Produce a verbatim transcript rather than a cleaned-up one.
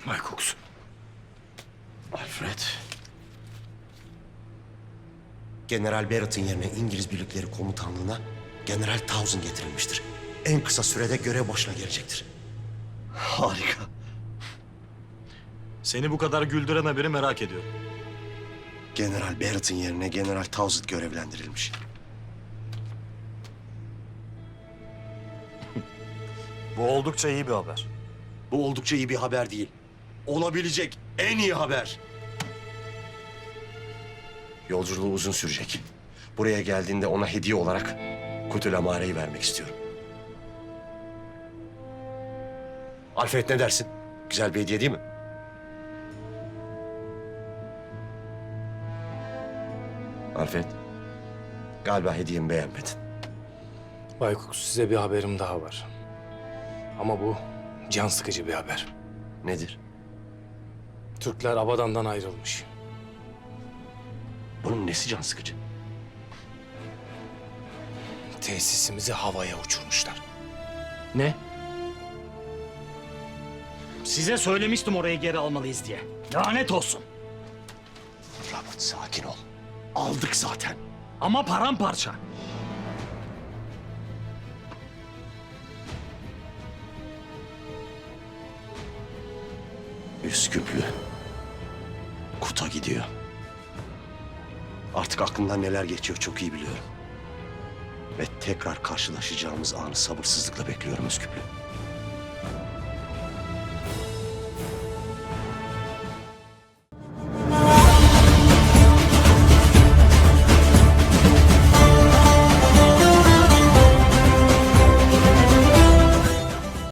Cox. Alfred. General Barrett'ın yerine İngiliz birlikleri komutanlığına General Townsend getirilmiştir. En kısa sürede görev başına gelecektir. Harika. Seni bu kadar güldüren haberi merak ediyorum. General Barrett'ın yerine General Townsend görevlendirilmiş. Bu oldukça iyi bir haber. Bu oldukça iyi bir haber değil. Olabilecek en iyi haber. Yolculuğu uzun sürecek. Buraya geldiğinde ona hediye olarak Kutul Amare'yi vermek istiyorum. Alfred ne dersin? Güzel bir hediye değil mi? Alfred, galiba hediyemi beğenmedin. Bay Cox, size bir haberim daha var. Ama bu can sıkıcı bir haber. Nedir? Türkler Abadan'dan ayrılmış. Bunun nesi can sıkıcı? Tesisimizi havaya uçurmuşlar. Ne? Size söylemiştim orayı geri almalıyız diye. Lanet olsun. Robert, sakin ol. Aldık zaten. Ama paramparça. Üsküplü. Kut'a gidiyor. Artık aklımdan neler geçiyor çok iyi biliyorum. Ve tekrar karşılaşacağımız anı sabırsızlıkla bekliyorum Üsküplü.